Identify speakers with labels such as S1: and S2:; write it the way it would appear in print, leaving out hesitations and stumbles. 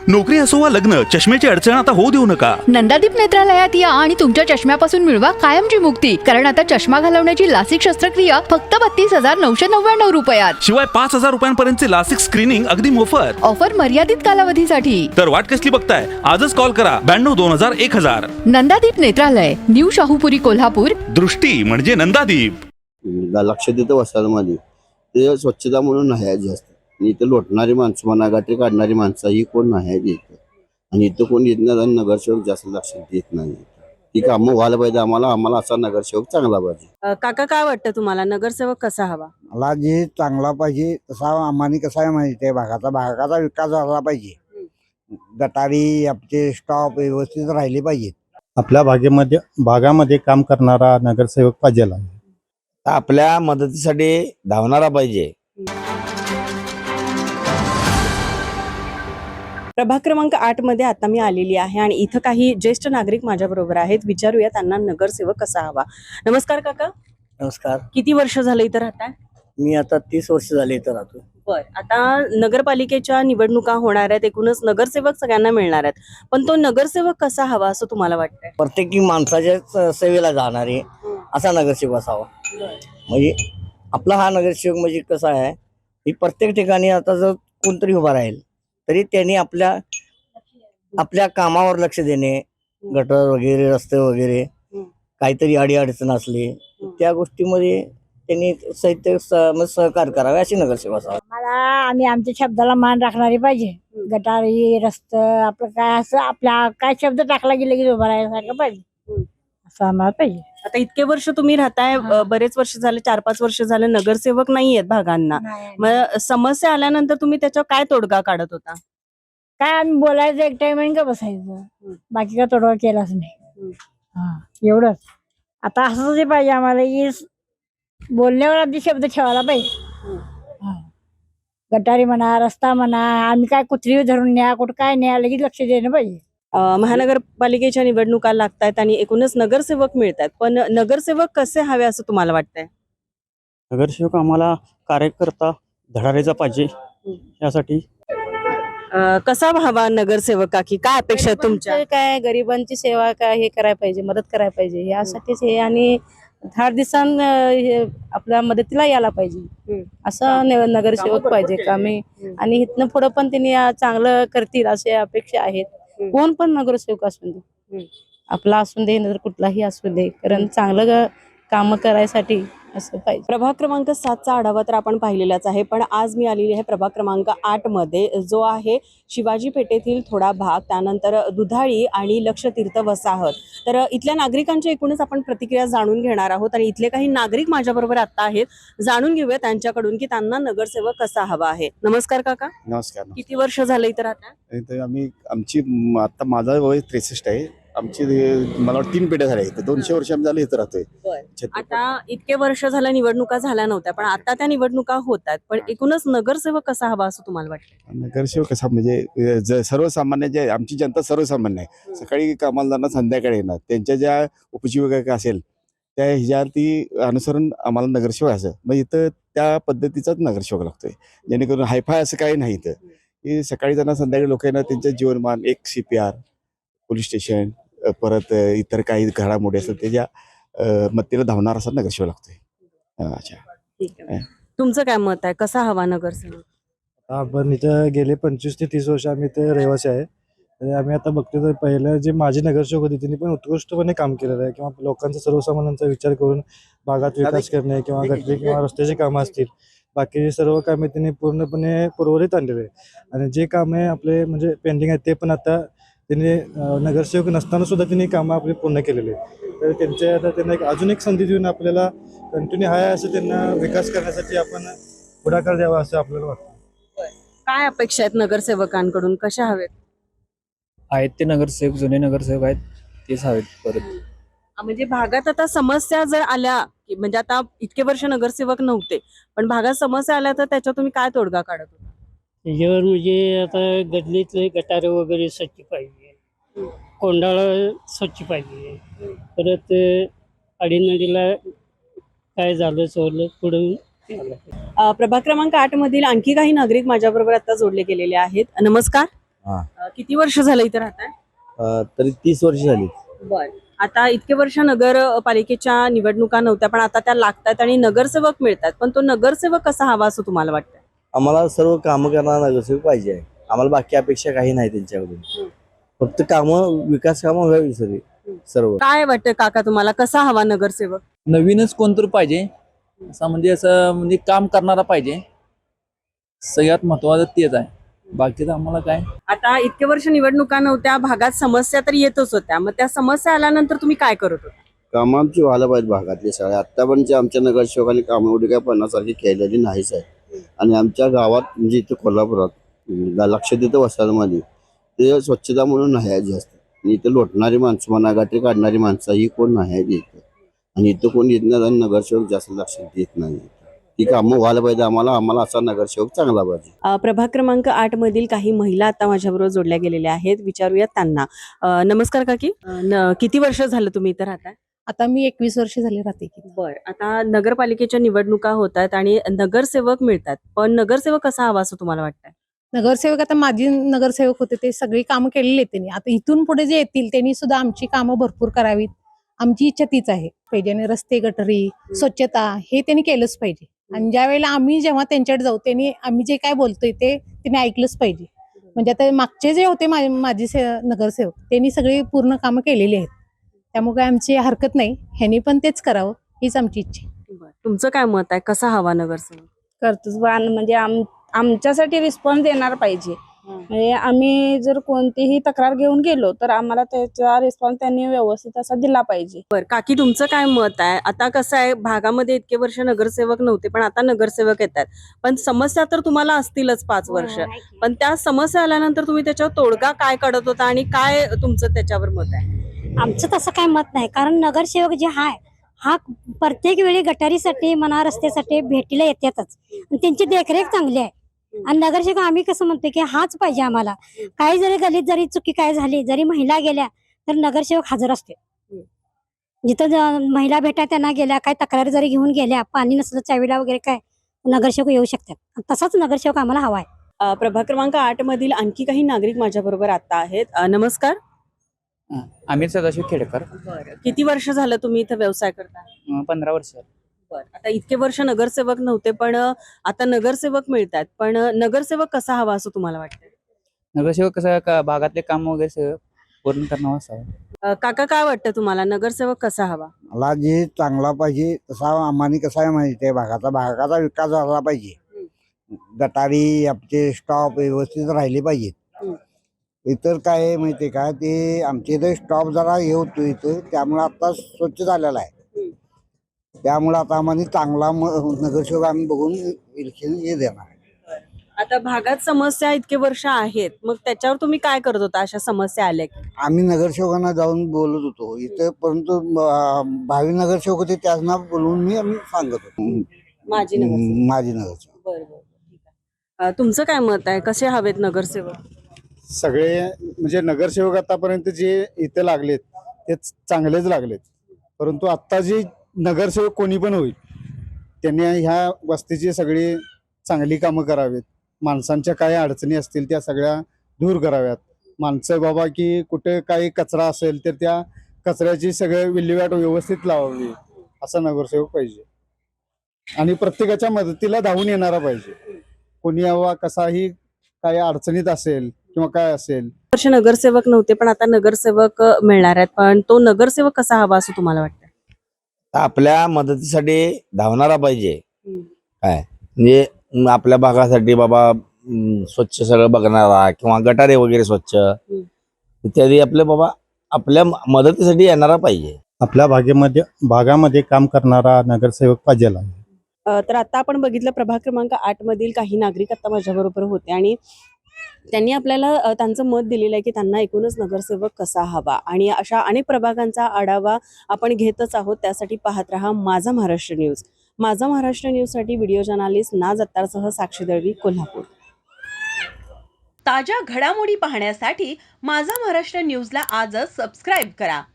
S1: नोकरी असो वा लग्न, चष्म्याची अडचण आता होऊ देऊ नका.
S2: नंदादीप नेत्रालयात या आणि तुमच्या चष्म्यापासून मिळवा कायमची मुक्ती. कारण आता चष्मा घालवण्याची लासिक शस्त्रक्रिया फक्त 32,999 रुपयात.
S1: शिवाय 5,000 रुपयांपर्यंतचे लासिक स्क्रीनिंग अगदी मोफत.
S2: ऑफर मर्यादित कालावधीसाठी.
S1: तर वाट कसली बघताय, आजच कॉल करा 92-2000-1000.
S2: नंदादीप नेत्रालय, न्यू शाहूपुरी, कोल्हापूर.
S1: दृष्टी म्हणजे नंदादीप.
S3: लक्ष देतं वसाहतमध्ये ते स्वच्छता म्हणून नाही आहे जास्त. आणि इथं लोटणारी माणसं म्हणा, गाठी काढणारी माणसं ही कोण नाही आहेत इथं. आणि इथं कोण येत नाही आणि नगरसेवक जास्त लक्ष देत नाही. ही कामं व्हायला पाहिजे आम्हाला असा नगरसेवक चांगला पाहिजे.
S4: काका काय वाटतं तुम्हाला, नगरसेवक कसा हवा?
S5: मला जे चांगला पाहिजे तसा आम्हाला कसा आहे माहिती आहे, भागाचा विकास झाला पाहिजे. गटारी आपले स्टॉप व्यवस्थित राहिले पाहिजेत.
S6: आपल्या भागामध्ये काम करणारा नगरसेवक पाहिजे.
S7: आपल्या मदतीसाठी धावणारा पाहिजे.
S4: प्रभाग क्रमांक 8 मध्ये आता मी आलेली आहे आणि इथं काही ज्येष्ठ नागरिक माझ्या बरोबर आहेत. विचारूया त्यांना नगरसेवक कसा हवा. नमस्कार काका.
S5: नमस्कार.
S4: किती वर्ष झालं इथं राहताय?
S5: मी आता 30 वर्ष झाले इथं राहतो.
S4: बर, आता नगरपालिकेच्या निवडणुका होणार आहेत, एकूणच नगरसेवक सगळ्यांना मिळणार आहेत, पण तो नगरसेवक कसा हवा असं तुम्हाला वाटतंय?
S5: प्रत्येकी माणसाच्या सेवेला जाणारे असा नगरसेवक असावा. म्हणजे आपला हा नगरसेवक म्हणजे कसा आहे, ही प्रत्येक ठिकाणी आता जर कोणतरी उभा राहील तरी त्यांनी आपल्या कामावर लक्ष देणे, गटर वगैरे, रस्ते वगैरे, काहीतरी अडीअडचण असली त्या गोष्टीमध्ये त्यांनी सहकार्य करावे अशी नगरसेवक असावा.
S8: मला आम्ही आमच्या शब्दाला मान राखणारी पाहिजे. गटारी रस्त आपलं काय असं आपल्या काय शब्द टाकला गेला की उभा राहायला पाहिजे असं आम्हाला पाहिजे.
S4: आता इतके वर्ष तुम्ही राहताय, बरेच वर्ष झाले, 4-5 वर्ष झाले नगरसेवक नाहीयेत भागांना. मग समस्या आल्यानंतर तुम्ही त्याच्यावर काय तोडगा काढत होता?
S8: काय आम्ही बोलायचं एक टाइम का बसायचं, बाकी का तोडगा केलाच नाही. हा एवढंच. आता असंच जे पाहिजे आम्हाला की बोलण्यावर आधी शब्द ठेवायला पाहिजे. गटारी म्हणा, रस्ता म्हणा, आम्ही काय कुत्री धरून न्या, कुठं काय न्या, लगेच लक्ष देणं पाहिजे.
S4: महानगरपालिकेच्या निवडणुका लागतायत आणि एकूणच नगरसेवक मिळतात, पण नगरसेवक कसे हवे असं तुम्हाला वाटतंय?
S6: नगरसेवक आम्हाला कार्यकर्ता धडाडीचा पाहिजे. यासाठी
S4: कसा हवा नगरसेवक, काकी काय अपेक्षा आहे तुमच्या?
S9: काय गरिबांची सेवा काय हे करायला पाहिजे, मदत करायला पाहिजे, यासाठीच हे. आणि 10 दिवसांन आपल्या मदतीला यायला पाहिजे असं नगरसेवक पाहिजे कामे. आणि इथनं पुढं पण त्यांनी चांगलं करतील असे अपेक्षा आहेत. कोण पण नगरसेवक असू दे, आपला असू दे नंतर कुठलाही असू दे, कारण चांगलं काम करायसाठी असं पाहिजे.
S4: प्रभाग क्रमांक 7चा आढावा तर आपण पाहिलेलाच आहे, पण आज मी आलेली आहे प्रभाग क्रमांक 8 मध्ये, जो आहे शिवाजी पेठेतील थोडा भाग, त्यानंतर दुधाळी आणि लक्षतीर्थ वसाहत. तर इथल्या नागरिकांच्या एकूणच आपण प्रतिक्रिया जाणून घेणार आहोत आणि इथले काही नागरिक माझ्याबरोबर आता आहेत. जाणून घेऊया त्यांच्याकडून की त्यांना नगरसेवक कसा हवा आहे. नमस्कार काका.
S3: नमस्कार.
S4: किती वर्ष झालं इथं राहता?
S3: आमची आता माझा वय 63 आहे. आमची मला वाटतं 3 पिढ्या झाल्या इथं. 200 वर्ष आम्ही झाले इथं राहतोय.
S4: आता इतके वर्ष झालं निवडणुका झाल्या नव्हत्या, पण आता त्या निवडणुका होतात, पण एकूणच नगरसेवक कसा हवा असं तुम्हाला वाटतं?
S3: नगरसेवक कसा म्हणजे सर्वसामान्य जे आमची जनता सर्वसामान्य आहे. सकाळी कामाला जाणार, संध्याकाळी येणार, त्यांच्या ज्या उपजीविका असेल त्या ह्याच्यावरती अनुसरून आम्हाला नगरसेवक असं, मग इथं त्या पद्धतीचाच नगरसेवक लागतोय. जेणेकरून हायफाय असं काही नाही इथं, की सकाळी जाणार संध्याकाळी लोक येणार, त्यांच्या जीवनमान, एक CPR, पोलीस स्टेशन, परत इतर काही घडामोडी असतात त्याच्या मतीला धावणार असा नगरसेवक लागतोय. अच्छा,
S4: ठीक आहे. तुमचं काय मत आहे, कसा हवा नगरसेवक?
S6: आपण इथं गेले 25 ते 30 वर्ष आम्ही इथे रहिवासी आहे. आणि आम्ही आता बघतो तर पहिलं जे माझी नगरसेवक होती त्यांनी पण उत्कृष्टपणे काम केलेलं आहे, किंवा लोकांचा सर्वसामान्यांचा विचार करून भागात विकास करणे किंवा गटरी किंवा रस्त्याची कामं असतील, बाकी सर्व कामे त्यांनी पूर्णपणे पूर्वरित आणलेले आहे. आणि जे कामे आपले म्हणजे पेंडिंग आहेत ते पण आता त्यांनी नगरसेवक नसताना सुद्धा त्यांनी कामं आपली पूर्ण केलेली आहे. तर त्यांच्या आता त्यांना अजून एक संधी देऊन आपल्याला कंटिन्यू आहे असं त्यांना विकास करण्यासाठी आपण पुढाकार द्यावा असं आपल्याला वाटतं.
S4: काय अपेक्षा आहेत नगरसेवकांकडून, कशा हवेत?
S10: आहेत ते नगरसेवक, जुने नगरसेवक आहेत तेच हवेत परत.
S4: म्हणजे भागात आता समस्या जर आल्या, म्हणजे आता इतके वर्ष नगरसेवक नव्हते, पण भागात समस्या आल्या तर त्याच्यावर तुम्ही काय तोडगा काढत होता?
S11: त्याच्यावर म्हणजे आता गल्लीतले गटारे वगैरे स्वच्छ पाहिजे, कोंडाळा स्वच्छ पाहिजे, परत अडीनडीला काय झालं चोरलं पुढे.
S4: प्रभाग क्रमांक 8 मधील आणखी काही नागरिक माझ्याबरोबर आता जोडले गेलेले आहेत. नमस्कार.
S7: हा.
S4: किती वर्ष झालं इथं राहताय?
S7: तरी 30 वर्ष झाली.
S4: बर. आता इतके वर्ष नगरपालिकेच्या निवडणुका नव्हत्या, पण आता त्या लागतात आणि नगरसेवक मिळतात, पण तो नगरसेवक कसा हवा असं तुम्हाला वाटतं?
S5: आम्हाला सर्व कामं करणारा नगरसेवक पाहिजे आहे. आम्हाला बाकी अपेक्षा काही नाही त्यांच्याकडून. फक्त कामं, विकास कामं व्हावी सर्व.
S4: काय वाटतं काका तुम्हाला, कसा हवा नगरसेवक?
S10: नवीनच कोणतरी पाहिजे, असं काम करणारा पाहिजे. सगळ्यात महत्वाचं तेच आहे. बाकीचं आम्हाला काय.
S4: आता इतके वर्ष निवडणुका नव्हत्या, भागात समस्या तर येतच होत्या, मग त्या समस्या आल्यानंतर तुम्ही काय करत होता?
S3: कामं आमची व्हायला पाहिजे भागातले सगळे. आता पण आमच्या नगरसेवकांनी कामं एवढी काय पन्नासारखी केलेली नाहीच आहे. आणि आमच्या गावात म्हणजे इथं कोल्हापुरात लक्ष देतं वसाहतमध्ये ते स्वच्छता म्हणून नाही आहे जास्त. आणि इथं लोटणारी माणसं म्हणा, गटरी काढणारी माणसं ही कोण नाही आहे इथं. आणि इथं कोण येत नाही आणि नगरसेवक जास्त लक्ष देत नाही. ती कामं व्हायला पाहिजे आम्हाला असा नगरसेवक चांगला पाहिजे.
S4: प्रभाग क्रमांक 8 मधील काही महिला आता माझ्याबरोबर जोडल्या गेलेल्या आहेत, विचारूयात त्यांना. नमस्कार काकी. किती वर्ष झालं तुम्ही इथं राहताय?
S9: आता मी 21 वर्ष झाले राहते की.
S4: बर. आता नगरपालिकेच्या निवडणुका होत आहेत आणि नगरसेवक मिळतात, पण नगरसेवक कसा हवा असं तुम्हाला वाटतंय?
S9: नगरसेवक आता माझी नगरसेवक होते ते सगळी कामं केलेली आहेत त्यांनी. आता इथून पुढे जे येतील त्यांनी सुद्धा आमची कामं भरपूर करावीत. आमची इच्छा तीच आहे. पाहिजे आणि रस्ते, गटरी, स्वच्छता हे त्यांनी केलंच पाहिजे. आणि ज्या वेळेला आम्ही जेव्हा त्यांच्याकडे जाऊ त्यांनी आम्ही जे काय बोलतोय ते त्यांनी ऐकलंच पाहिजे. म्हणजे आता मागचे जे होते माझे नगरसेवक त्यांनी सगळी पूर्ण कामं केलेली आहेत. त्यामुळे काय आमची हरकत नाही, ह्यांनी पण तेच करावं हीच आमची इच्छा आहे.
S4: तुमचं काय मत आहे, कसा हवा नगरसेवक?
S9: कर्तृत्ववान म्हणजे आमच्यासाठी रिस्पॉन्स देणार पाहिजे. म्हणजे आम्ही जर कोणतीही तक्रार घेऊन गेलो तर आम्हाला त्याचा रिस्पॉन्स त्यांनी व्यवस्थित असा दिला पाहिजे.
S4: बरं काकी, तुमचं काय मत आहे? आता कसं आहे, भागामध्ये इतके वर्ष नगरसेवक नव्हते, पण आता नगरसेवक येतात, पण समस्या तर तुम्हाला असतीलच 5 वर्ष. पण त्या समस्या आल्यानंतर तुम्ही त्याच्यावर तोडगा काय काढत होता आणि काय तुमचं त्याच्यावर मत आहे?
S8: आमचं तसं काय मत नाही, कारण नगरसेवक जे आहे हा प्रत्येक वेळी गटारीसाठी म्हणा, रस्त्यासाठी भेटीला येतातच आणि त्यांची देखरेख चांगली आहे. आणि नगरसेवक आम्ही कसं म्हणतो की हाच पाहिजे आम्हाला. काही जरी गलीत जरी चुकी काय झाली, जरी महिला गेल्या तर नगरसेवक हजर असते. जिथं महिला भेटा त्यांना गेल्या, काय तक्रारी जरी घेऊन गेल्या, पाणी नसलं चावीला वगैरे काय, नगरसेवक येऊ शकतात. तसाच नगरसेवक आम्हाला हवा आहे.
S4: प्रभाग क्रमांक 8 मधील आणखी काही नागरिक माझ्या बरोबर आता आहेत. नमस्कार.
S10: आमिर सदाशिव खेडकर.
S4: किती वर्ष झालं तुम्ही इथं व्यवसाय करता?
S10: 15 वर्ष.
S4: आता इतके वर्ष नगरसेवक नव्हते, पण आता नगरसेवक मिळतात, पण नगरसेवक कसा हवा असं तुम्हाला वाटतं?
S10: नगरसेवक कसं भागातले काम वगैरे सगळं पूर्ण करणं असावं.
S4: काका, काय वाटतं तुम्हाला, नगरसेवक कसा हवा?
S6: मला जे चांगला पाहिजे तसा आम्हाला कसा आहे माहिती आहे, भागाचा विकास झाला पाहिजे. गटारी आमचे स्टॉप व्यवस्थित राहिले पाहिजेत. इतर काय आहे माहिती आहे का, ते आमच्या इथे स्टॉप जरा हे होतो इथं, त्यामुळे आता स्वच्छ झालेला आहे. त्यामुळे आता आम्हाला चांगला नगरसेवक आम्ही बघून इलेक्शन हे देणार.
S4: आता भागात समस्या इतके वर्ष आहेत, मग त्याच्यावर तुम्ही काय करत होता अशा समस्या आल्या की?
S6: आम्ही नगरसेवकांना जाऊन बोलत होतो इथं, परंतु भावी नगरसेवक होते त्यांना बोलवून आम्ही सांगत होतो.
S4: माझी
S6: नगरसेवक.
S4: बरोबर. तुमचं काय मत आहे, कसे हवेत नगरसेवक?
S6: सगळे म्हणजे नगरसेवक आतापर्यंत जे इथे लागलेत ते चांगलेच लागलेत, परंतु आता जे नगरसेवक कोणी पण होईल त्यांनी ह्या वस्तीची सगळी चांगली कामं करावीत. माणसांच्या काही अडचणी असतील त्या सगळ्या दूर कराव्यात. माणसं बाबा की कुठे काही कचरा असेल तर त्या कचऱ्याची सगळं विल्हेवाट व्यवस्थित लावावी असा नगरसेवक पाहिजे. आणि प्रत्येकाच्या मदतीला धावून येणारा पाहिजे. कोणी यावा कसाही काही अडचणीत असेल किंवा काय असेल.
S4: वर्ष नगरसेवक नव्हते, पण आता नगरसेवक मिळणार आहेत, पण तो नगरसेवक कसा हवा असं तुम्हाला वाटतं?
S7: आपल्या मदतीसाठी धावणारा पाहिजे. काय म्हणजे आपल्या भागासाठी बाबा स्वच्छ सगळं बघणारा किंवा गटारे वगैरे स्वच्छ इत्यादी आपल्या मदतीसाठी येणारा पाहिजे.
S6: आपल्या भागामध्ये काम करणारा नगरसेवक पाहिजे.
S4: तर आता आपण बघितलं, प्रभाग क्रमांक 8 मधील काही नागरिक आता माझ्या बरोबर होते आणि त्यांनी आपल्याला त्यांचं मत दिलेलं आहे की त्यांना एकूणच नगरसेवक कसा हवा. आणि अशा अनेक प्रभागांचा आढावा आपण घेतच आहोत. त्यासाठी पाहत रहा माझा महाराष्ट्र न्यूज. माझा महाराष्ट्र न्यूजसाठी व्हिडिओ जर्नलिस्ट नाज अत्तारसह साक्षी दळवी, कोल्हापूर.
S2: ताज्या घडामोडी पाहण्यासाठी माझा महाराष्ट्र न्यूजला आजच सबस्क्राईब करा.